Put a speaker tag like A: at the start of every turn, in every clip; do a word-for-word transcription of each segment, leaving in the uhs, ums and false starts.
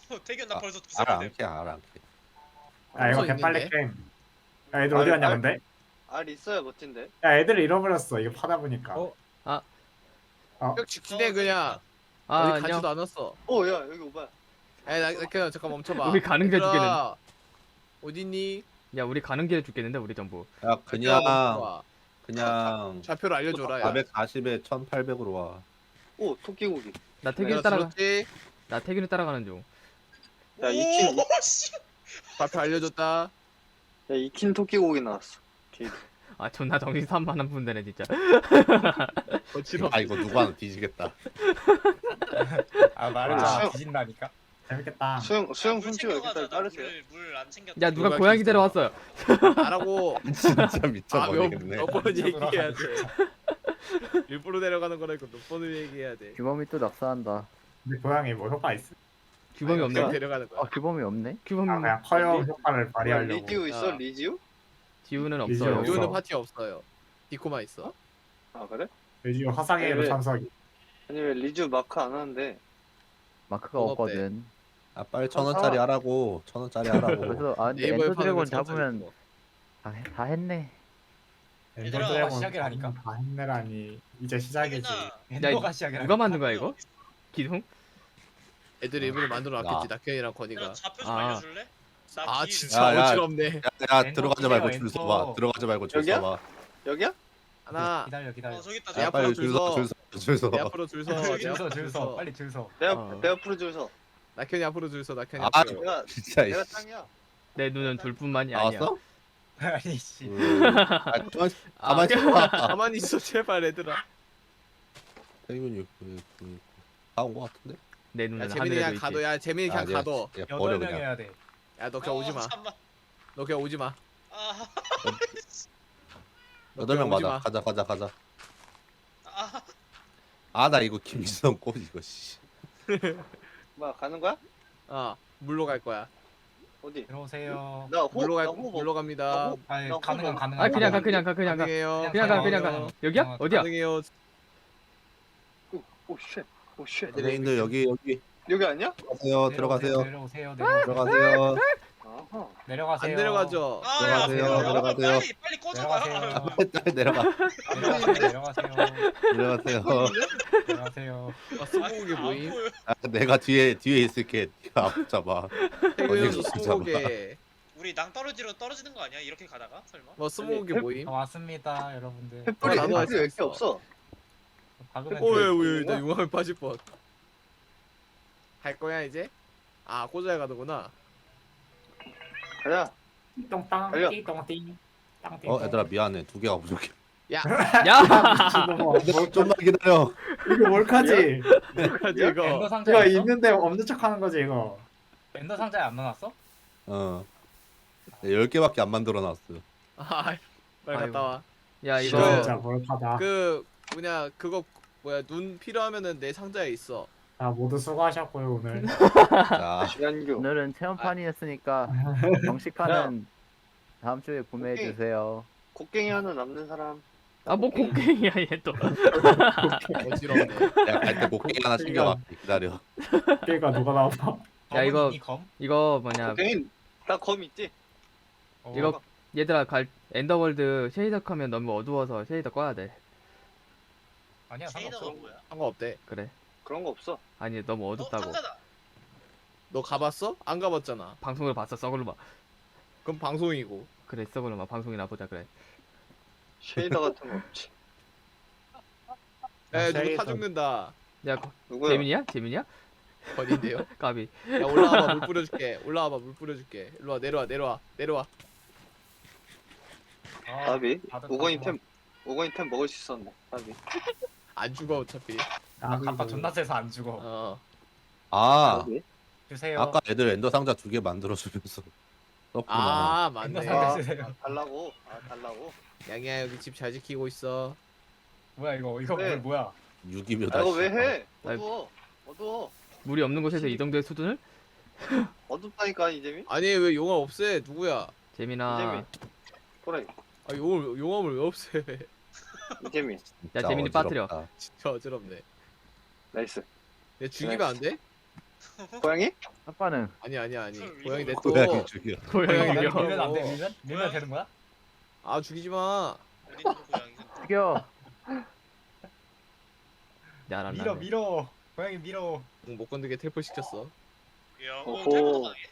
A: 태균 나
B: 아,
A: 벌써 두세
B: 알아
A: 번
B: 안캐 알아 안캐.
C: 야 이거
D: 없어,
C: 개빨리
D: 있는데?
C: 게임. 야 애들 어디
E: 알-
C: 갔냐
E: 알-
C: 근데?
E: 알 있어야 멋진데.
C: 야 애들 잃어버렸어 이거 파다 보니까.
F: 어?
G: 아.
C: 어?
D: 형 직진해 그냥.
G: 아
D: 어디
G: 안녕.
D: 가지도 않았어.
E: 어, 야 여기 오빠.
D: 에이 나, 나 그냥 잠깐 멈춰봐.
G: 우리 가는 게
D: 얘들아,
G: 죽겠는데.
D: 어딨니?
G: 야 우리 가는 길에 죽겠는데 우리 전부.
B: 야 그냥
D: 멈춰봐.
B: 그냥
D: 좌표를 알려줘라. 야.
B: 사백사십에 천팔백으로 와.
E: 오, 토끼고기.
G: 나 태균이
D: 내가
G: 따라가.
D: 들었지?
G: 나 태균이 따라가는 중.
E: 야, 이킨
A: 오, 씨.
D: 좌표 알려줬다.
E: 야, 이킨 토끼고기 나왔어. 게이드.
G: 아 존나 정신 산만한 분들네 진짜.
D: 거칠어.
B: 아 이거 누가 하나 뒤지겠다.
F: 아 말을
C: 와.
F: 다 뒤진다니까.
C: 재밌겠다.
E: 수영 수영
A: 물
E: 훔치고 여기
A: 챙겨가자.
E: 딸 따르세요.
A: 물안 챙겼.
G: 야 누가
D: 누가
G: 고양이
D: 있어?
G: 데려왔어요.
D: 알아고.
B: 진짜
D: 아, 몇,
B: 미쳐버리겠네.
D: 몇 번은
F: 진짜
D: 얘기해야 돼.
F: 돌아가네,
D: 일부러 내려가는 거라니까 몇 번을 얘기해야 돼.
H: 규범이 또 낙사한다.
C: 근데 고양이 뭐 효과 있어?
G: 규범이
D: 그냥
G: 없네.
D: 데려가는 거야.
H: 아 규범이 없네?
G: 규범
C: 아 그냥 커요 효과를
E: 야,
C: 발휘하려고.
E: 리지우 있어?
D: 야.
E: 리지우?
G: 지우는
C: 리지우
G: 없어요.
C: 없어.
D: 이거는 파티 없어요. 디코만 있어.
E: 아 그래?
C: 요즘 화상회로
E: 왜?
C: 참석이.
E: 아니 왜 리지우 마크 안 하는데?
H: 마크가
D: 뭐가
H: 없거든.
B: 아 빨리 천 원짜리 하라고. 천 원짜리 하라고.
H: 그래서 아 근데
D: 네이버에
H: 엔더
D: 파는
H: 드래곤
D: 거 진짜
H: 잡으면
D: 있고.
H: 다, 해- 다 했네.
A: 얘들아,
C: 엔더드래곤
F: 시작을 하니까.
C: 다 했네라니 이제 시작이지.
A: 태균아,
F: 엔더가 시작이라.
G: 누가 만든 거야 이거? 기둥?
D: 애들이 일부러 만들어 놨겠지.
B: 야.
D: 낙현이랑 건이가.
A: 얘들아, 좌표 좀
G: 아.
A: 알려줄래? 나
D: 아
A: 길-
D: 진짜
B: 야, 야.
D: 어지럽네.
B: 야, 야
F: 엔터
B: 들어가지 말고
F: 끼세요,
B: 줄
F: 엔터.
B: 서봐. 들어가지 말고 줄
E: 여기야?
B: 서봐.
E: 여기야?
D: 하나.
F: 기다려 기다려.
A: 어 저기 있다.
D: 내
A: 저기
B: 야
A: 있다.
D: 앞으로
B: 빨리
D: 줄
B: 줄
D: 서.
B: 서, 줄 서, 줄 서.
D: 내 앞으로 줄 서. 내
F: 줄 서
D: 앞으로
F: 줄 서. 빨리 줄 서.
E: 내, 앞,
G: 어.
E: 내 앞으로 줄 서.
D: 낙현이 앞으로 줄 서. 낙현이
B: 아,
D: 앞으로.
E: 내가
B: 진짜
E: 내가
B: 이씨.
E: 짱이야.
G: 내 눈은 둘뿐만이 아니야.
B: 나왔어?
F: 아니 씨.
B: 음. 아 가만
D: 아,
B: 가만히 있어.
D: 가만히 있어 제발 얘들아.
B: 태균이 그, 그, 다온 거 같은데?
G: 내
D: 야
G: 눈은
D: 재민이
G: 하늘에도
D: 그냥
G: 있지.
D: 가둬. 야 재민이 그냥
B: 아, 내가
D: 가둬.
B: 진짜 버려
F: 여덟 명
B: 그냥.
F: 해야 돼.
D: 야 너 그냥 오지 마.
A: 어, 잠깐만.
D: 너 그냥 오지 마.
A: 아,
D: 너
B: 여덟 명
D: 그냥 오지
B: 맞아.
D: 마.
B: 가자 가자 가자.
A: 아,
B: 아 나 이거 김지성 꽃 이거 씨.
E: 뭐야 가는 거야?
D: 어 물로 갈 거야.
E: 어디?
F: 들어오세요.
E: 나 호,
D: 물로 갈
E: 나 호흡
D: 물로 갑니다.
E: 호-
F: 아니
E: 나
F: 가능한
E: 호흡.
F: 가능한.
G: 아 그냥 가 그냥 가 그냥 가.
D: 가능해요.
G: 그냥 가 그냥
F: 가능해요.
G: 가. 여기야?
F: 어,
G: 어디야?
D: 가능해요.
E: 오, 오 쉣. 오 쉣.
B: 선생님들 여기 여기
E: 여기 아니야?
B: 들어가세요 들어가세요
F: 내려오세요. 내려오세요.
B: 들어가세요.
E: 아하.
F: 내려가세요.
D: 안 내려가죠.
A: 아,
B: 들어가세요,
A: 야,
B: 들어가세요.
A: 빨리 빨리 꺼져봐.
F: 내려가세요.
B: 빨리 내려가
F: 내려가세요.
B: 내려가세요.
F: 내려가세요.
D: 아, 스무고개
A: 안
D: 모임.
A: 보여.
B: 아, 내가 뒤에 뒤에 있을게. 네가 앞 잡아.
D: 태균
B: 어디가
D: 형도 스무고개.
A: 우리 낭떠러지로 떨어지는 거 아니야? 이렇게 가다가 설마?
D: 뭐 스무고개
E: 아니,
D: 모임.
F: 다 왔습니다, 여러분들.
E: 횃불이
D: 나도
E: 횃불이 왜 이렇게
D: 했어.
E: 없어?
F: 박으면
D: 오예
F: 돼.
D: 오예 나 용암에 빠질 뻔. 갈 거야 이제? 아 꽂아야 가는구나.
E: 가자.
C: 똥땅
E: 달려.
C: 띠똥띵.
B: 어 얘들아 미안해 두 개가 부족해.
G: 야!
B: 얘들아 좀만 기다려.
C: 이거 몰카지?
D: 가지
F: 엔더
D: 이거.
F: 상자
C: 이거
F: 있어?
C: 있는데 없는 척하는 거지 이거.
F: 엔더 상자에 안 넣어놨어?
B: 어. 네, 열 개밖에 안 만들어놨어.
D: 아 빨리
G: 아이고.
D: 갔다 와.
G: 야
D: 이거-
G: 이거
C: 진짜 몰카다.
D: 그 뭐냐 그거 뭐야 눈 필요하면은 내 상자에 있어.
C: 자 모두 수고하셨고요 오늘.
B: 자
E: 시간교.
H: 오늘은 체험판이었으니까 정식판은 다음 주에 구매해 주세요.
E: 곡괭이 하나 남는 사람.
G: 아 뭐 곡괭이야 얘 또.
D: 어지럽네.
B: 내가 갈 때 곡괭이 하나 챙겨갈게. 기다려.
C: 걔가 누가 나와?
G: 야, 이거-
F: 검은 이 검?
G: 이거 뭐냐
E: 곡괭이 나 검 있지?
F: 어,
G: 이거 얘들아 갈 엔더월드 쉐이더 켜면 너무 어두워서 쉐이더 꺼야 돼.
F: 아니야
A: 쉐이더가
F: 상관없어.
A: 뭐야?
D: 상관없대.
G: 그래.
E: 그런 거 없어.
G: 아니 너무
A: 어,
G: 어둡다고.
A: 상자다.
D: 너 가봤어? 안 가봤잖아.
G: 방송을 봤어 썩을로 봐.
D: 그럼 방송이고.
G: 그래 썩을로 봐. 방송이나 보자 그래.
E: 쉐이더 같은 거 없지.
D: 에 누구 타
C: 쉐이더.
D: 죽는다.
G: 야 거-
E: 누구야?
G: 재민이야? 재민이야?
D: 어딘데요?
G: 까비.
D: 야 올라와봐 물 뿌려줄게. 올라와봐 물 뿌려줄게. 일로와 내려와 내려와 내려와.
F: 아,
E: 나비.
F: 다들
E: 오건이
F: 갔구만.
E: 템. 오건이 템 먹을 수 있었네. 나비.
D: 안 죽어 어차피.
F: 아, 갑바 존나 세서 안 죽어.
D: 어.
B: 아
E: 나비.
F: 주세요.
B: 아까 애들 엔더 상자 두 개 만들어주면서 썼구나.
D: 아
F: 엔더
D: 맞네.
F: 상자
E: 아,
F: 주세요.
E: 아, 달라고. 아 달라고.
D: 양이야 여기 집 잘 지키고 있어.
F: 뭐야 이거 이거
E: 네.
F: 물 뭐야?
B: 유기묘다.
E: 아, 이거 왜
B: 씨발.
E: 해?
G: 아이.
E: 어두워. 어두워.
G: 물이 없는 곳에서 이 정도의 수준을?
E: 어둡다니까 이재민.
D: 아니 왜 용암 없애? 누구야?
G: 재민아.
E: 이재민. 그래.
D: 아 용암 용암을 왜 없애?
E: 이재민.
G: 야
B: 진짜
G: 재민이 빠뜨려.
B: 어지럽다.
D: 진짜 어지럽네.
E: 나이스.
D: 얘 죽이면 안 돼?
E: 고양이?
H: 아빠는
D: 아니 아니 아니.
A: 헐,
D: 고양이
A: 이거
D: 내
B: 고양이
D: 또.
B: 죽여.
G: 고양이
F: 밀면
G: 죽여.
F: 밀면 안 돼. 밀면 밀면 되는 거야?
D: 아 죽이지 마.
A: 어디 있는 고양이?
H: 죽여.
G: 야란
F: 밀어
G: 나네.
F: 밀어. 고양이 밀어.
D: 응, 못 건드게 텔포 시켰어.
A: 야, 어,
E: 오호.
A: 탈모도 당해?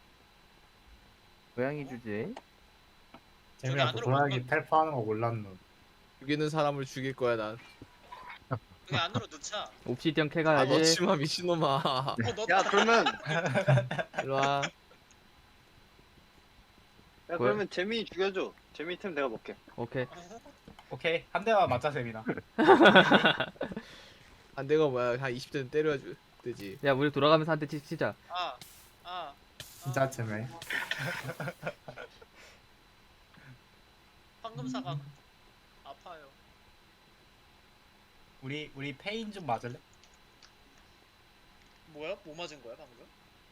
H: 고양이 주제.
C: 재민아 그
A: 안으로
C: 고양이
A: 못
C: 텔파하는 거 몰랐노.
D: 죽이는 사람을 죽일 거야 난.
A: 그게 안으로 넣자.
G: 옵시디언
D: 아
G: 캐가야지.
D: 넣지마 미친놈아.
A: 어, 넣었다.
E: 야 그러면
D: 일로 와.
E: 야 그러면 재민이 죽여줘. 재민이 템 내가 먹게.
G: 오케이.
F: 오케이 한 대만 맞자 세민아.
D: 안 대가 뭐야 한 이십 대는 때려야 주- 되지.
G: 야 우리 돌아가면서 한 대 치자.
A: 아, 아.
C: 진짜 재미.
A: 황금 사각 아파요.
F: 우리 우리 페인 좀 맞을래?
A: 뭐야? 뭐 맞은 거야 방금?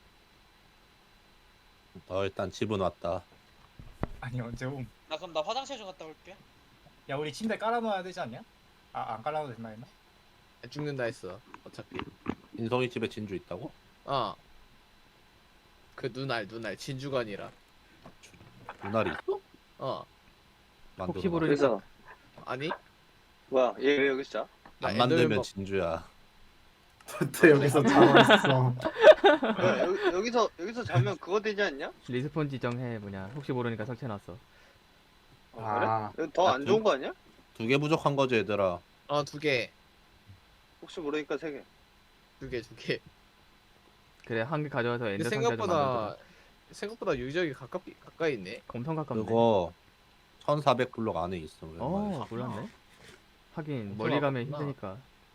B: 어 일단 집은 왔다.
F: 아니 언제 옴?
A: 나 그럼 나 화장실 좀 갔다 올게.
F: 야 우리 침대 깔아놓아야 되지 않냐? 아 안 깔아도 된다 했나?
D: 죽는다 했어. 어차피.
B: 인성이 집에 진주 있다고?
D: 어. 그 눈알 눈알 진주가 아니라.
B: 눈알이 있어?
D: 어.
B: 만들어.
G: 혹시 모르-
E: 그래서
D: 아니?
E: 뭐야 얘 왜 여기 있어?
D: 나
B: 안
D: 엔더맨
B: 만들면
D: 봐-
B: 진주야.
C: 또 여기서 자고 있어.
E: 뭐야 여기, 여기서 여기서 자면 그거 되지 않냐?
G: 리스폰 지정해 뭐냐. 혹시 모르니까 설치해놨어.
E: 어, 그래?
C: 아
E: 여기 더 안 좋은 거 아니야?
B: 두 개 부족한 거지 얘들아.
D: 어, 두 개.
E: 혹시 모르니까 세 개.
D: 두 개, 두 개.
G: 그래 한 개 가져와서
D: 근데
G: 엔더 상자 좀
D: 생각보다
G: 만들자.
D: 생각보다 유적이 가깝 가까이 있네.
G: 엄청 가깝네.
B: 그거 천사백 블록 안에 있어.
G: 어 몰랐네. 하긴
D: 엄청
G: 멀리 가면
D: 가깝구나.
G: 힘드니까.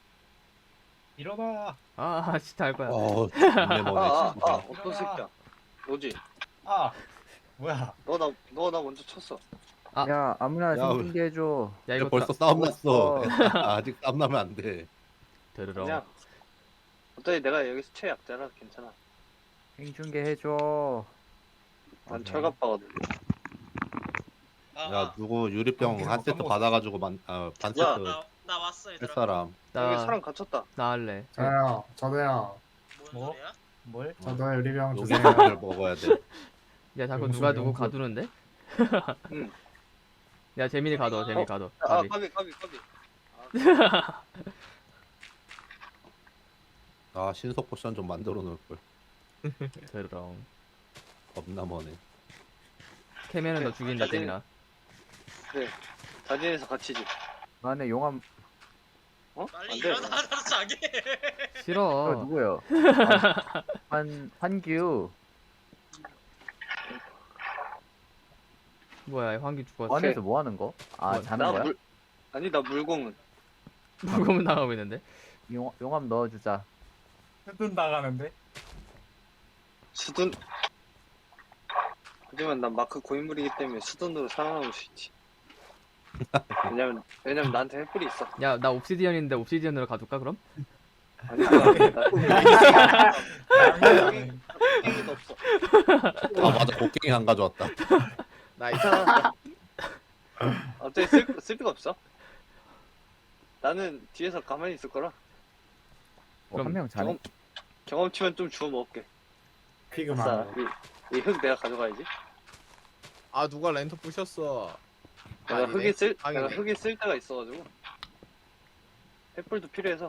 F: 일어나.
G: 아 진짜 알 거야.
B: 어, 존내 머네
E: 아아아
B: 진짜.
E: 어떤 새끼야? 뭐지?
F: 아 뭐야?
E: 너 나 너 나 먼저 쳤어.
G: 아.
H: 야 아무나
B: 야,
H: 생긴 게 해줘.
G: 야
B: 야,
G: 이거
B: 벌써
G: 다
B: 싸움 났어.
H: 어.
B: 아직 싸움 나면 안 돼.
G: 들으러.
E: 그냥 어차피 내가 여기서 최약자라 괜찮아.
H: 생중계 해줘.
E: 난 철갑바거든.
A: 아,
B: 야
A: 아.
B: 누구 유리병
F: 어,
B: 한 세트
F: 까먹었어.
B: 받아가지고 만, 아, 반
E: 야,
B: 세트
A: 나, 나 왔어
B: 할
A: 얘들아.
B: 사람.
E: 여기
G: 나
E: 사람 갇혔다.
G: 나 할래.
C: 저요 저도요.
A: 뭔
F: 뭐?
A: 소리야?
F: 뭘?
C: 저도 유리병
B: 여기
C: 주세요.
B: 를 먹어야 돼.
G: 야 자꾸
C: 용서,
G: 누가 누구
C: 용서.
G: 가두는데?
E: 응.
G: 야 재민이 가둬. 재민이
E: 어?
G: 가둬.
E: 아
G: 가비.
E: 까비 까비 까비.
B: 아 신속 포션 좀 만들어 놓을 걸.
G: 들으러.
B: 겁나 머네.
G: 캐면은 너 죽인다
E: 사진-
G: 재민아.
E: 그래. 자진해서 갇히지.
H: 그 안에 용암
E: 어?
A: 빨리
E: 안 돼.
A: 일어나 나도 자게.
H: 어,
G: 싫어.
H: 누구요? 환 환규.
G: 뭐야 환기 죽었어.
H: 안에서 뭐 하는 거? 아
G: 뭐,
H: 자는
E: 나
H: 거야?
E: 물 아니 나 물공은
G: 물고문 당하고 있는데.
H: 용, 용암 넣어주자.
F: 수둔 나가는데?
E: 수둔. 하지만 난 마크 고인물이기 때문에 수둔으로 살아남을 수 있지. 왜냐면 왜냐면 나한테 횃불이 있어.
G: 야 나 옵시디언인데 옵시디언으로 가둘까 그럼?
E: 아니 나 도 없어.
B: 아 맞아 곡괭이 안 가져왔다.
D: 나이스.
E: 어차피 쓸, 쓸 데가 없어. 나는 뒤에서 가만히 있을 거라.
H: 어,
G: 그럼
H: 한 명 자네.
E: 경험 경험치만 좀 주워 먹을게.
C: 피그만.
E: 아싸, 이 흙 내가 가져가야지.
D: 아 누가 랜턴 부셨어.
E: 내가
D: 아니네.
E: 흙이 쓸
D: 아니네.
E: 내가 흙이 쓸 데가 있어가지고. 횃불도 필요해서.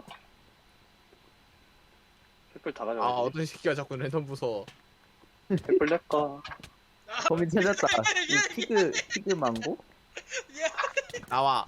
E: 횃불 다
D: 아
E: 가져가야지.
D: 어떤 새끼가 자꾸 랜턴 부숴.
E: 횃불 내 거.
H: 범인 찾았다. 이 피그 피그 망고?
D: 나와.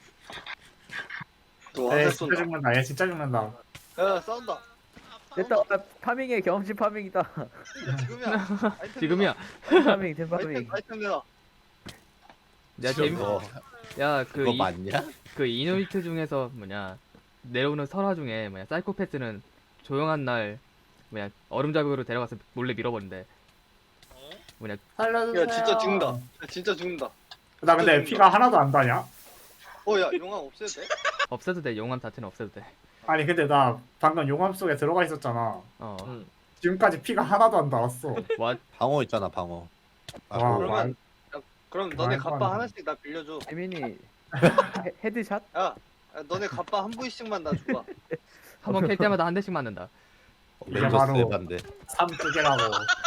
E: 너
C: 에
E: 화살
C: 진짜
E: 쏜다.
C: 죽는다. 얘 진짜 죽는다.
E: 야 싸운다.
H: 됐다. 아, 파밍해 경험치 파밍이다.
E: 지금이야. 아이템
G: 지금이야.
H: 파밍 된
E: 내놔.
H: 파밍.
E: 아이템 아이템 내놔.
G: 야 재민.
B: 그거
G: 야그
B: 그거 맞냐?
G: 그 이누이트 중에서 뭐냐 내려오는 설화 중에 뭐냐 사이코패스는 조용한 날 뭐냐 얼음자국으로 데려가서 몰래 밀어버린대.
A: 어?
G: 뭐냐
C: 살려주세요.
E: 야 진짜 죽는다. 야, 진짜 죽는다.
C: 나 근데 피가 하나도 안 다냐?
E: 어야 용암 없애도 돼?
G: 없애도 돼. 용암 자체는 없애도 돼.
C: 아니 근데 나 방금 용암 속에 들어가 있었잖아.
G: 어.
D: 응.
C: 지금까지 피가 하나도 안 닿았어.
G: 와
B: 방어 있잖아 방어. 아,
C: 와,
B: 그거
E: 그러면- 그럼 너네
C: 말도
E: 갑바
C: 안 돼.
E: 하나씩 나 빌려줘.
H: 재민이 헤- 헤드샷?
E: 야, 야 너네 갑바 한 부위씩만 나 줘봐.
G: 한 번 캘 때마다 한 대씩 맞는다.
C: 이게
B: 멘저스
C: 바로
B: 에반데.
C: 삼두개라고.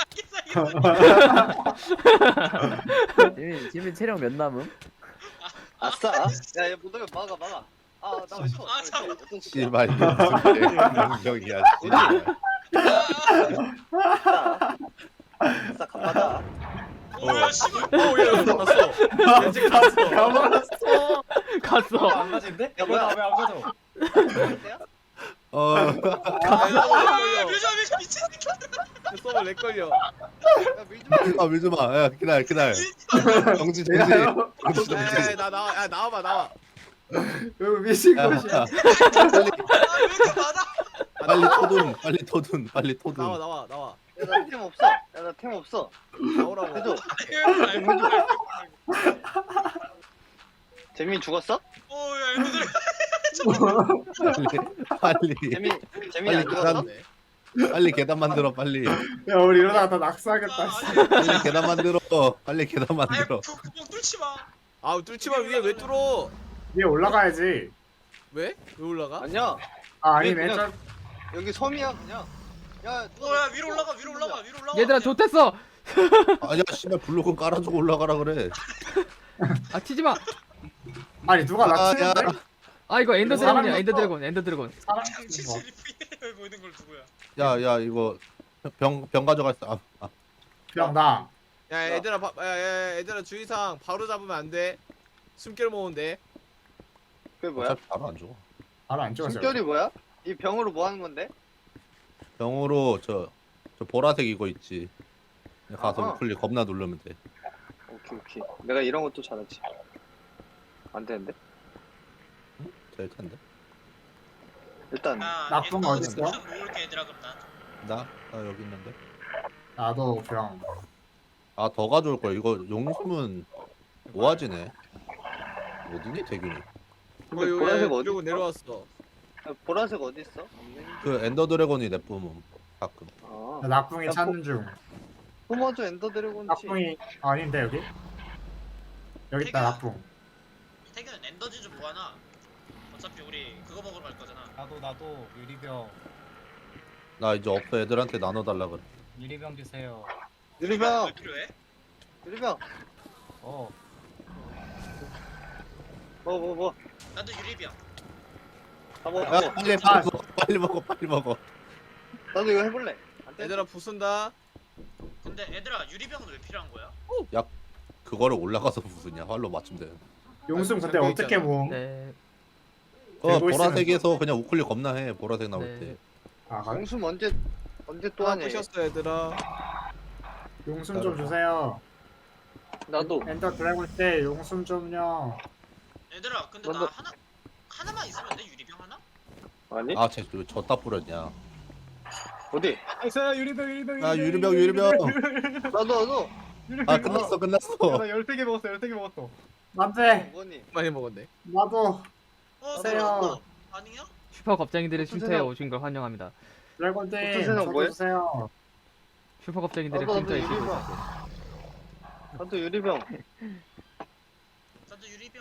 H: 지민 지민 체력 몇 남음?
E: 아싸. 야얘 못하면 막아 막아. 아나왜 쳐?
A: 아, 참.
E: 어떤 새끼야?
B: 씨발 이게 무슨 명령이야. 씨발.
E: 아싸. 아싸 간받아.
A: 오야 씨발.
D: 오야 났어. 야 지금 났어.
C: 가버렸어.
G: 갔어.
F: 안 가진데?
E: 야, 뭐야?
F: 왜안 가져?
B: 어.
A: 아,
D: 걸려.
A: 뮤저 뮤저 미친 새끼.
D: 서버 렉 걸려.
E: 야 밀지
B: 아 밀지 마. 야 기다려 기다려. 정지 정지. 정지 정지.
D: 야나 나와. 야 나와봐 나와.
C: 왜 미친
B: 야,
C: 것이야?
B: 빨리
A: 아왜 이렇게 많아?
D: 아,
B: 빨리
D: 나와.
B: 토둔 빨리 토둔 빨리 토둔.
D: 나와 나와 나와.
E: 야나템 없어. 야나 템 없어.
D: 나오라고.
E: 해줘. 재민이 죽었어?
A: 오야 애들.
B: 빨리 빨리
E: 재민 재민이 안
B: 빨리
E: 죽었어?
B: 계단 빨리 계단 만들어 빨리.
C: 야 우리 이러다가 다 낙사하겠다. 씨.
B: 빨리 계단 만들어. 빨리 계단
A: 아유
B: 만들어.
A: 구- 구멍 뚫지 마.
D: 아 뚫지 마 위에 왜 뚫어?
C: 위에 올라가야지.
D: 왜? 왜 올라가?
E: 아니야.
C: 아 아니네.
E: 그냥-
C: 저-
E: 여기 섬이야 그냥. 야
A: 오야 위로 올라가 위로 올라가 위로 올라가.
G: 얘들아 좋댔어.
B: 아니야 씨발 블록은 깔아주고 올라가라 그래.
G: 아 치지 마.
C: 아니 누가
B: 아,
C: 낙치는데?
B: 야.
G: 아 이거 엔더
C: 사람
G: 드래곤이야. 엔더
C: 있어.
G: 드래곤. 엔더 드래곤.
C: 사람
A: 장치실 피해 보이는 걸 누구야?
B: 야야 이거 병 병 가져갔어. 아, 아.
C: 그냥 나.
D: 야 얘들아 바, 야, 야, 야, 얘들아 주의사항 바로 잡으면 안 돼. 숨결 모으면 돼.
E: 그게 뭐야?
B: 어차피 바로 안 죽어.
C: 바로 안 찍었어.
E: 숨결이 뭐야? 이 병으로 뭐 하는 건데?
B: 병으로 저 저 보라색 이거 있지. 그냥 가서
E: 아하.
B: 우클릭 겁나 누르면 돼.
E: 오케이 오케이. 내가 이런 것도 잘하지. 안 되는데?
B: 될 텐데.
E: 일단
A: 야
C: 나쁜 거
A: 엔더
C: 어딨어?
A: 좀 모을게 얘들아 그럼 나.
B: 나? 나 여기 있는데.
C: 나도 병.
B: 아 더 가져올 거야. 이거 용숨은 모아지네. 어디니 대균이?
E: 근데
D: 어,
E: 보라색
D: 여기
E: 어디
D: 들고
E: 있어?
D: 내려왔어.
E: 야, 보라색 어디 있어? 없네.
B: 그 엔더 드래곤이 내뿜음 가끔.
E: 아,
C: 나 낙붕이
E: 야,
C: 찾는 중.
E: 뿜어줘 엔더 드래곤이지.
C: 낙붕이 아, 아닌데 여기? 여기 있다 낙붕.
A: 태균 엔더지 좀 모아놔. 어차피 우리 그거 먹으러 갈 거잖아.
F: 나도 나도 유리병
B: 나 이제 없어 애들한테 나눠달라 그래.
F: 유리병 주세요.
E: 유리병,
A: 왜 필요해?
E: 유리병.
F: 어
E: 뭐 뭐 뭐.
A: 나도 유리병.
E: 다 먹어.
B: 야
E: 다 먹어.
B: 빨리 빨리 먹어 빨리 먹어 빨리 먹어.
E: 나도 이거 해볼래. 안 돼?
D: 얘들아 부순다.
A: 근데 애들아 유리병은 왜 필요한 거야?
B: 그거를 올라가서 무슨냐 활로 맞추면 돼.
C: 용숨 근데
D: 잠겨
C: 어떻게
D: 있잖아.
C: 모음?
G: 네.
B: 어
C: 들고 있으면
B: 보라색에서 그냥 우클릭 겁나 해. 보라색 나올
G: 네.
B: 때.
C: 아 그래?
E: 용숨 언제 언제 또
D: 또
E: 하냐? 얘.
D: 부셨어 얘들아.
C: 용숨 좀 주세요.
E: 나도.
C: 엔더 드래곤 때 용숨 좀요.
A: 얘들아 근데 나
E: 먼저-
A: 하나 하나만 있으면 안 돼? 유리병 하나?
E: 아니?
B: 아쟤 저따 뿌렸냐.
E: 어디?
F: 있어요 유리병 유리병
B: 아 유리병 유리병.
E: 나도 나도.
B: 아 끝났어 끝났어.
F: 나 열세 개 먹었어 열세 개 먹었어.
C: 안돼.
E: 뭐니?
D: 많이 먹었네.
C: 나도
A: 어
C: 주세요.
A: 들어왔어. 아니야?
G: 슈퍼 겁쟁이들의
E: 무슨
G: 쉼터에
E: 생각-
G: 오신 걸 환영합니다.
C: 드래곤 때
E: 어떤 생각
C: 저도
E: 뭐해?
C: 주세요.
G: 슈퍼 겁쟁이들의
E: 나도,
G: 쉼터에
E: 나도
G: 오신
E: 이거
G: 걸
E: 나도 유리병.
A: 나도 유리병.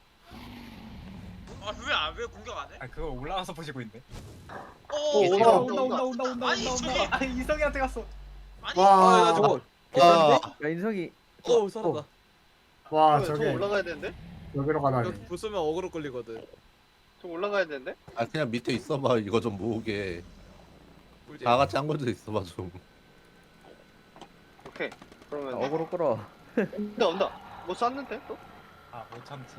A: 아왜왜 공격 안 해?
F: 아 그거 올라가서 보시고 있네.
A: 어
E: 오,
A: 얘들아.
E: 온다,
F: 온다 온다 온다 온다
A: 아니,
F: 온다
A: 저기-
F: 온다. 아니 이성이한테 갔어.
A: 아니
C: 와.
D: 아나 저거.
B: 아
H: 야 인성이
D: 오 살았다.
C: 와
E: 저
C: 저게
E: 올라가야 되는데?
C: 여기로 가다니.
D: 여기 부수면 어그로 끌리거든.
E: 저 올라가야 되는데?
B: 아 그냥 밑에 있어봐 이거 좀 모으게.
D: 꿀잼.
B: 다 같이 한 것도 있어봐 좀.
E: 오케이. 그러면
H: 어그로 끌어.
E: 온다 온다. 뭐 쐈는데 또?
F: 아 못 참지.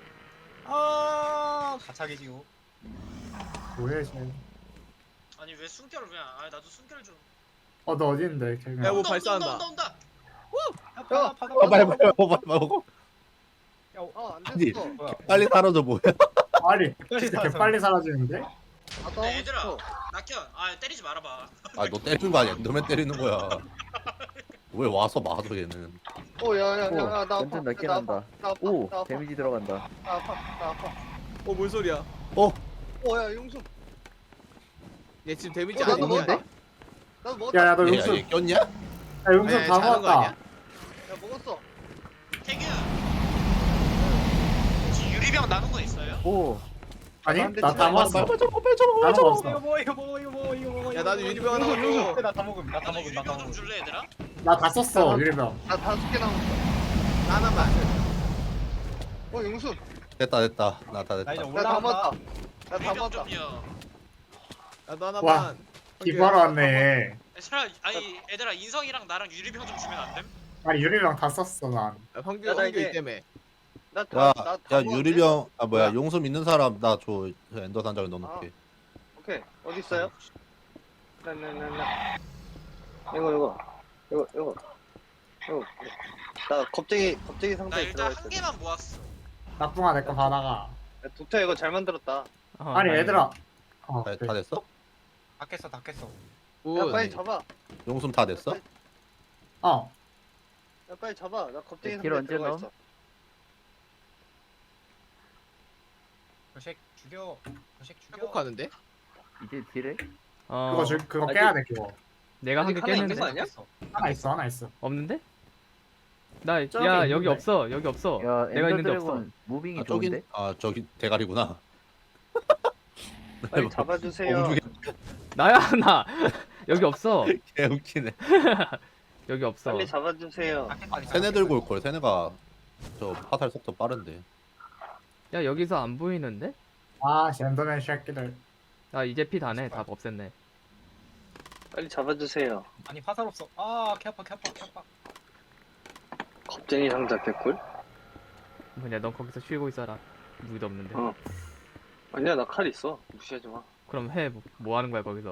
F: 아 가차기지고.
C: 뭐해 쟤?
A: 아니 왜 숨결을 왜? 아 나도 숨결 좀.
C: 어너 어디 있는데? 걔가.
D: 야, 뭐
A: 온다,
D: 발사한다.
A: 온다 온다 온다.
F: 야 받아 받아
B: 어, 빨리
F: 받아.
B: 빨리 먹어 빨리 먹어.
E: 아안
B: 아니.
E: 됐어.
F: 뭐야?
B: 빨리 사라져 뭐야.
C: 아니 진짜 개 빨리 사라지는데?
E: 아, 나
A: 근데
E: 하고
A: 얘들아
E: 싶어.
A: 낙현 아 때리지 말아봐.
B: 아 너 때리는 거 아니야. 너만 때리는 거야. 왜 와서 맞아 얘는.
E: 오, 야, 야, 야,
H: 오,
E: 야, 나 아파.
H: 완전 낮게
E: 나
H: 난다.
E: 아파. 나 아파.
H: 오
E: 나 아파.
H: 데미지 들어간다.
E: 나 아파. 나 아파.
D: 어뭔 소리야?
B: 어
E: 오, 야, 용수.
D: 얘 지금 데미지
E: 어, 나도
D: 아니야?
E: 먹었다. 나도 먹었다.
C: 야야 너
B: 얘,
C: 용숨.
B: 얘 꼈냐?
C: 야 용숨
D: 아니,
C: 다
D: 자는 거
C: 모았다.
D: 아니야?
E: 야, 먹었어.
A: 태균. 혹시 유리병 남은 거 있어요?
H: 오
C: 아니
E: 한 대
C: 나 다
E: 치면
C: 먹었어.
B: 빨리 좀 빨리 좀
C: 다
F: 이거
C: 먹었어.
F: 뭐 이거 뭐 이거 뭐 이거 뭐
D: 야 나도 유리병 하나
F: 이거
D: 먹어.
F: 이거 나다 먹음 나다
A: 나도
F: 먹음 나다
A: 유리병 좀
F: 먹음.
A: 줄래 얘들아?
C: 나 다 썼어 유리병.
E: 나 다섯 개 남았어.
D: 나 하나만.
E: 어 용수.
B: 됐다 됐다 나 다
F: 나 이제
B: 됐다.
E: 나 다
F: 올라간다.
E: 먹었다. 나 다
A: 유리병
E: 먹었다.
A: 좀요.
D: 나도 하나만.
C: 와, 기부하러 왔네.
A: 얘들아 아니 얘들아 인성이랑 나랑 유리병 좀 주면 안 됨?
C: 아니 유리병 다 썼어 난.
D: 야, 황규
E: 야, 나
D: 황규
E: 이제-
D: 때문에.
E: 나 다,
B: 야,
E: 나 다
B: 야
E: 먹었네.
B: 유리병 아 뭐야
E: 뭐야?
B: 용숨 있는 사람 나 줘 엔더 단장에 넣어놓게.
E: 오케이. 어디 있어요? 나나나나. 이거 이거 이거 이거 이거. 나 겁쟁이 겁쟁이
A: 나
E: 상자에
A: 일단
E: 들어가
A: 한
E: 있어.
A: 개만 모았어.
C: 나쁜아 내거 받아가.
E: 야, 도태 이거 잘 만들었다.
G: 어,
C: 아니
G: 다행이다.
C: 얘들아. 어,
B: 다,
C: 그래.
B: 다 됐어?
F: 다 깼어 다 깼어.
D: 굿.
E: 야 빨리 잡아.
B: 용숨 다 됐어?
C: 어.
E: 야 빨리 잡아. 나 겁쟁이
H: 길
E: 상자에
H: 언제
E: 들어가
H: 넣어?
E: 있어.
F: 저색 죽여. 저색 죽여.
D: 회복하는데?
H: 이제 딜해?
G: 어,
C: 그거 줄 그거
E: 아직-
C: 깨야 돼 그거.
G: 내가 한 개
E: 아직 하나 있는
G: 깼는데
E: 거 아니야?
C: 하나 있어 하나 있어.
G: 없는데? 나
C: 저기
G: 야
C: 있는데.
G: 여기 없어 여기 없어.
H: 야
G: 내가
H: 엔더
G: 있는데 없어.
H: 드래곤 무빙이
B: 아 저기
H: 좋은데?
B: 아 저기 대가리구나.
E: 빨리 잡아주세요.
B: 엉중에
G: 나야 나 여기 없어.
B: 개 웃기네.
G: 여기 없어.
E: 빨리 잡아주세요.
F: 다 깼다, 다
B: 세네
F: 깼다.
B: 들고 올 걸. 세네가 저 화살 속도 빠른데.
G: 야 여기서 안 보이는데?
C: 아 젠더맨 새끼들.
G: 아 이제 피 다네. 다 없앴네.
E: 빨리 잡아주세요.
F: 아니 화살 없어. 아개 아파 개 아파 개 아파.
E: 겁쟁이 상자 개꿀?
G: 뭐냐 넌 거기서 쉬고 있어라. 무기도 없는데.
E: 어. 아니야 나 칼 있어. 무시하지 마.
G: 그럼 해. 뭐, 뭐 하는 거야 거기서?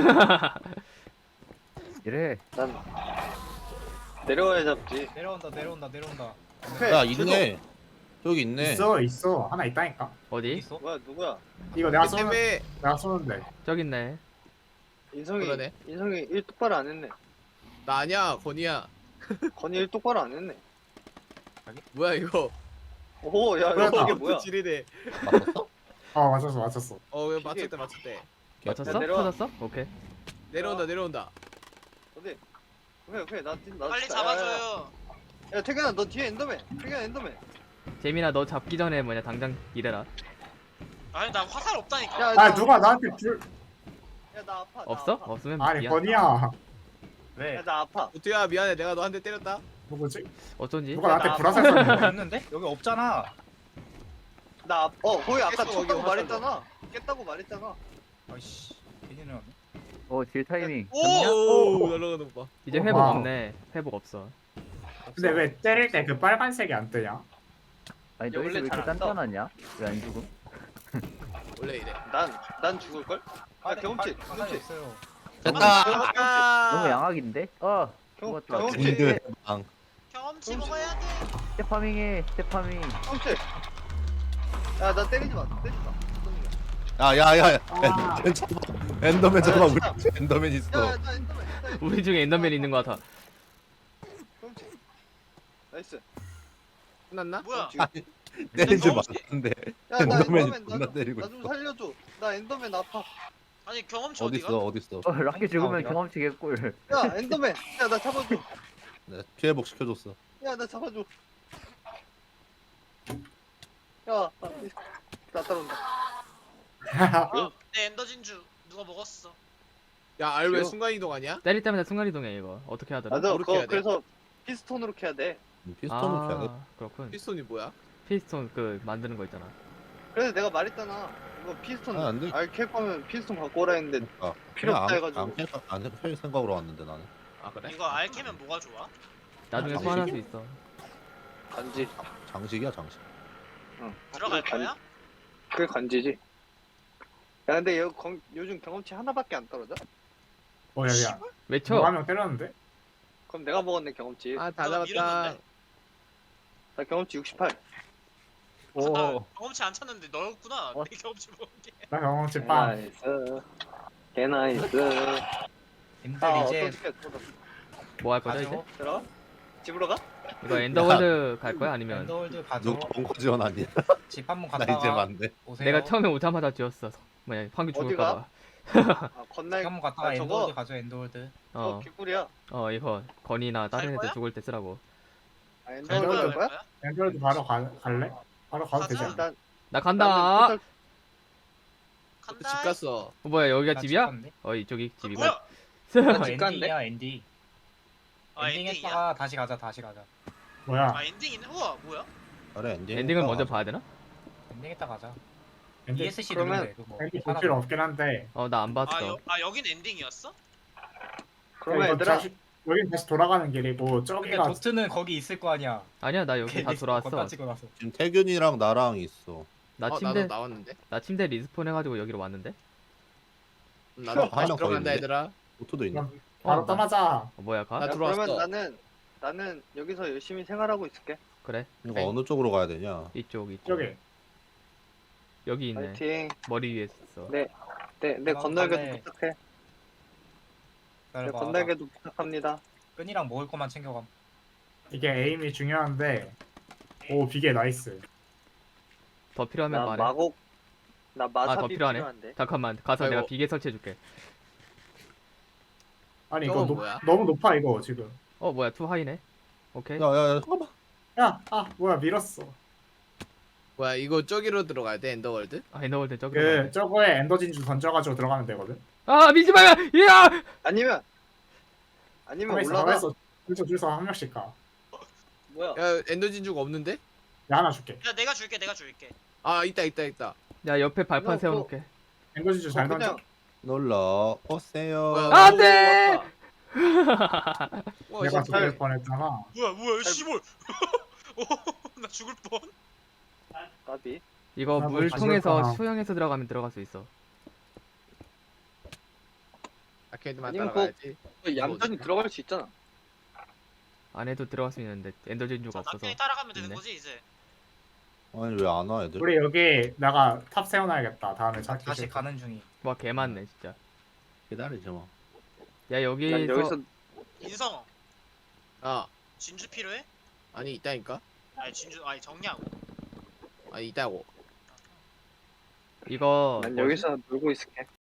H: 이래.
E: 난 내려와야 잡지.
F: 내려온다 내려온다 내려온다.
E: 오케이,
B: 야
E: 주소.
B: 있네. 저기 있네.
C: 있어 있어 하나 있다니까.
F: 어디
G: 어디?
F: 있어?
E: 뭐야 누구야?
C: 이거 내가
D: 그
C: 쏘는
D: 때문에
C: 내가 쏘는데.
G: 저기 있네.
E: 인성이
D: 그러네.
E: 인성이 일 똑바로 안 했네.
D: 나 아니야 건이야.
E: 건이 일 똑바로 안 했네.
D: 뭐야 이거?
E: 오, 야,
C: 뭐야,
E: 이거 이게
C: 나.
E: 뭐야?
D: 지리네.
B: 맞았어?
C: 어 맞췄어 맞췄어.
D: 어 왜
E: 이게-
D: 맞췄대 맞췄대.
G: 맞췄어?
E: 야, 내려와.
G: 터졌어? 오케이.
D: 내려온다 내려온다.
E: 어디? 오케이, 오케이, 나, 나
A: 빨리
E: 진짜-
A: 잡아줘요.
E: 야, 야, 태균아, 너 뒤에 엔더맨. 태균아, 엔더맨.
G: 재민아 너 잡기 전에 뭐냐 당장 일해라.
A: 아니 나 화살 없다니까.
E: 야,
C: 아
E: 나,
C: 누가 나한테 불.
E: 야, 나 아파. 나
G: 없어?
E: 아파.
G: 없으면
C: 아니
G: 미안.
C: 건이야.
F: 왜?
E: 야, 나 아파.
D: 우투야 미안해 내가 너 한 대 때렸다.
C: 누구지?
G: 어쩐지?
C: 누가 나한테
E: 나
C: 불화살
F: 여기
C: 쐈는데.
F: 있는데? 여기 없잖아.
E: 나 아파. 어, 거기 아까
D: 깼어, 거기
E: 쳤다고
D: 화살로.
E: 말했잖아. 깼다고 말했잖아.
F: 아이씨. 괜히 내려왔네.
H: 어딜 타이밍.
D: 오 날아가는 거 봐.
G: 이제
C: 어,
G: 회복
C: 와우.
G: 없네. 회복 없어.
C: 근데 왜 때릴 때 그 빨간색이 안 뜨냐?
H: 아니
E: 야,
H: 너희들
E: 원래
H: 왜 이렇게
E: 잘안 떠.
H: 단단하냐? 왜 안 죽음?
D: 원래 이래.
E: 난, 난 죽을걸? 아, 경험치,
F: 화살이
E: 경험치.
F: 있어요.
B: 됐다.
D: 아
H: 너무 양악인데? 어
E: 경,
H: 죽었다.
E: 경험치,
B: 군대 방.
A: 경험치 먹어야 돼.
H: 스테파밍해 스테파밍.
E: 경험치. 야, 나 때리지 마. 때리지 마.
B: 야야야.
C: 아.
B: 괜찮아. 엔더맨 잡아.
E: 아,
B: 우리
E: 진짜.
B: 집에 엔더맨
E: 야,
B: 있어.
E: 야, 나 엔더맨. 나 엔더맨.
G: 우리 중에 엔더맨 있는 거 같아.
E: 경험치. 나이스.
D: 끝났나?
A: 뭐야?
E: 경험치.
B: 때리지
A: 경험치.
B: 말았는데.
E: 야, 나
B: 엔더맨이
E: 엔더맨,
B: 존나
E: 나
B: 때리고
E: 좀
B: 있어.
E: 살려줘. 나 엔더맨 아파.
A: 아니 경험치
B: 어디
A: 어디가?
B: 있어? 어디 있어?
H: 어 락키 죽으면
F: 어디가?
H: 경험치 개꿀.
E: 야, 엔더맨. 야, 나 잡아줘.
B: 네, 피해 복 시켜줬어.
E: 야, 나 잡아줘. 야, 나, 나 따라온다.
A: 어, 내 엔더 진주 누가 먹었어?
D: 야 알 왜
E: 귀여워.
D: 순간 이동 아니야?
G: 때릴 때마다 순간이동해 이거. 어떻게 하더라?
E: 맞아,
D: 그렇게
E: 그거
D: 해야 돼.
E: 그래서 피스톤으로 캐야 돼.
B: 피스톤을 피해야 돼.
G: 아 그렇군.
D: 피스톤이 뭐야?
G: 피스톤 그 만드는 거 있잖아.
E: 그래서 내가 말했잖아. 이거 피스톤
B: 아, 안 돼.
E: 알캘 거면 피스톤 갖고 오라 했는데
B: 아,
E: 필요
B: 그냥
E: 없다
B: 안-
E: 해가지고.
B: 안 캘- 안 캘 생각으로 왔는데 나는.
D: 아 그래?
A: 이거 알 캐면 뭐가 좋아?
G: 나중에
B: 아,
G: 소환할 수
B: 장식이?
G: 있어.
E: 간지.
B: 장식이야 장식.
E: 응.
A: 들어갈
E: 간-
A: 거야?
E: 그게 간지지. 야, 근데 요, 경, 요즘 경험치 하나밖에 안 떨어져?
C: 어 야야.
G: 외쳐.
C: 누가 한 명 때렸는데?
E: 그럼 내가 먹었네 경험치.
D: 아 다
A: 너
D: 잡았다.
A: 밀었는데?
E: 나 경험치 육십팔.
A: 나
H: 오.
A: 경험치 안 찾는데 너였구나.
H: 어.
A: 내 경험치 먹은 게.
C: 나 경험치 빵.
E: 나이스. 개나이스.
F: 님들
E: 아,
F: 이제
E: 어떻게
G: 뭐 할 거죠 이제?
F: 가죠.
E: 들어? 집으로 가?
G: 이거 엔더월드 갈 거야 아니면
F: 엔더월드 가죠.
B: 누구 벙커 지원 아니야?
F: 집 한 번
B: 나 이제
F: 갔다가
B: 맞네.
F: 오세요.
G: 내가 처음에 오자마자 지었어. 뭐야 황규 죽을까 봐.
E: 아, 건날.
F: 집 한 번 갔다가
E: 아, 저거?
F: 엔더월드 가죠. 엔더월드.
E: 어,
G: 어,
E: 개꿀이야.
G: 어 이거 건이나 다른
A: 갈
G: 애들
A: 거야?
G: 죽을 때 쓰라고.
E: 아,
A: 갈
E: 엔더월드
A: 거야?
E: 갈
A: 갈
E: 거야?
A: 거야?
C: 엔더월드 바로 가, 갈래? 바로 가도 되지
A: 가자.
C: 않나?
E: 일단
G: 나 간다.
E: 나는 포탈-
A: 간다.
D: 집 갔어.
G: 어, 뭐야 여기가
F: 나
G: 집이야?
F: 죽었네.
G: 어 이쪽이
A: 아,
G: 집이고.
A: 뭐야?
F: 어,
E: 집 갔는데?
F: 엔딩이야 엔딩.
A: 아
F: 엔딩
A: 엔딩이야?
F: 했다가 다시 가자 다시 가자.
C: 뭐야?
A: 아 엔딩이네. 우와 뭐야?
B: 그래 엔딩.
G: 엔딩을 먼저 봐야 되나?
F: 엔딩 했다 가자.
C: 엔딩
F: 이에스씨
E: 그러면
F: 누르면 돼 그거.
C: 엔딩 볼 필요 없긴 한데.
G: 어 나 안 봤어.
A: 아, 여, 아 여긴 엔딩이었어?
E: 그러면
C: 이거
E: 얘들아
C: 다시 여긴 다시 돌아가는 길이고
F: 근데
C: 저기가
F: 도트는 거기 있을 거 아니야.
G: 아니야 나 여기 다 돌아왔어.
F: 건다 찍고 나서.
B: 지금 태균이랑 나랑 있어.
G: 나
D: 어,
G: 침대
D: 나도 나왔는데.
G: 나 침대 리스폰 해가지고 여기로 왔는데.
D: 나도
B: 한
D: 다시
B: 명
D: 들어간다
B: 더 있는데?
D: 얘들아.
B: 오토도 있네.
C: 그럼 바로
G: 어, 나-
C: 떠나자.
G: 어, 뭐야 가?
D: 나
E: 야,
D: 들어왔어.
E: 그러면 나는 나는 여기서 열심히 생활하고 있을게.
G: 그래
B: 이거 어느 쪽으로 가야 되냐?
G: 이쪽 이쪽.
C: 저기.
G: 여기 있네.
E: 파이팅.
G: 머리 위에 있어.
E: 네. 내, 내
F: 그럼
E: 건날개도
F: 다음에-
E: 부탁해. 내
F: 기다려봐.
E: 건날개도 부탁합니다.
F: 끈이랑 먹을 것만 챙겨감.
C: 이게 에임이 중요한데. 오 비계 나이스.
G: 더 필요하면
E: 나
G: 말해.
E: 마곡 나
G: 아 더
E: 마삽이
G: 필요하네.
E: 필요한데.
G: 잠깐만 가서
D: 아이고.
G: 내가 비계 설치해줄게.
C: 아니 이거
D: 저건
C: 높,
D: 뭐야?
C: 너무 높아 이거 지금.
G: 어 뭐야 투 하이네. 오케이.
B: 야야야 잠깐만.
C: 야, 아 뭐야 밀었어.
D: 뭐야 이거 저기로 들어가야 돼 엔더월드?
G: 아 엔더월드 저기.
C: 그 저거에 엔더 진주 던져가지고 들어가면 되거든.
G: 아 미지 마야. 야.
E: 아니면 아니면
C: 가만있어,
E: 올라가.
C: 가만있어. 줄서 줄서 한 명씩 가.
E: 뭐야?
D: 야 엔더 진주가 없는데?
C: 야 하나 줄게.
A: 야 내가 줄게 내가 줄게.
D: 아 있다 있다 있다.
G: 야 옆에 발판
E: 너,
G: 세워놓게.
C: 엔더 진주 잘
E: 어,
C: 던져.
E: 그냥
B: 놀러 오세요.
D: 뭐야,
G: 안
D: 너무
G: 돼!
D: 왔다. 와,
C: 내가
D: 진짜.
C: 죽을 뻔했잖아.
A: 뭐야 뭐야 씨발. 나 죽을 뻔.
E: 까비.
G: 이거
C: 아,
G: 물
C: 뭐
G: 통해서
C: 가져올까?
G: 수영해서 들어가면 들어갈 수 있어.
D: 아케이드만
E: 아니면
D: 따라가야지.
E: 그 얌전히 들어갈 수 있잖아.
G: 안에도 들어갈 수 있는데 엔더 진주가 없어서.
A: 남편이 따라가면 되는
G: 있네.
A: 거지 이제.
B: 아니 왜 안 와 애들?
C: 우리 여기 내가 탑 세워놔야겠다. 다음에
F: 나
C: 찾기
F: 다시
C: 싫다.
F: 가는 중이.
G: 와 개 많네 진짜.
B: 기다리지 뭐.
G: 야
E: 난
G: 여기서
E: 여기서
A: 인성
D: 아
A: 진주 필요해?
D: 아니 있다니까.
A: 아니 진주 아니 정량.
D: 아니 있다고.
G: 이거
E: 난
G: 뭐지?
E: 여기서 놀고 있을게.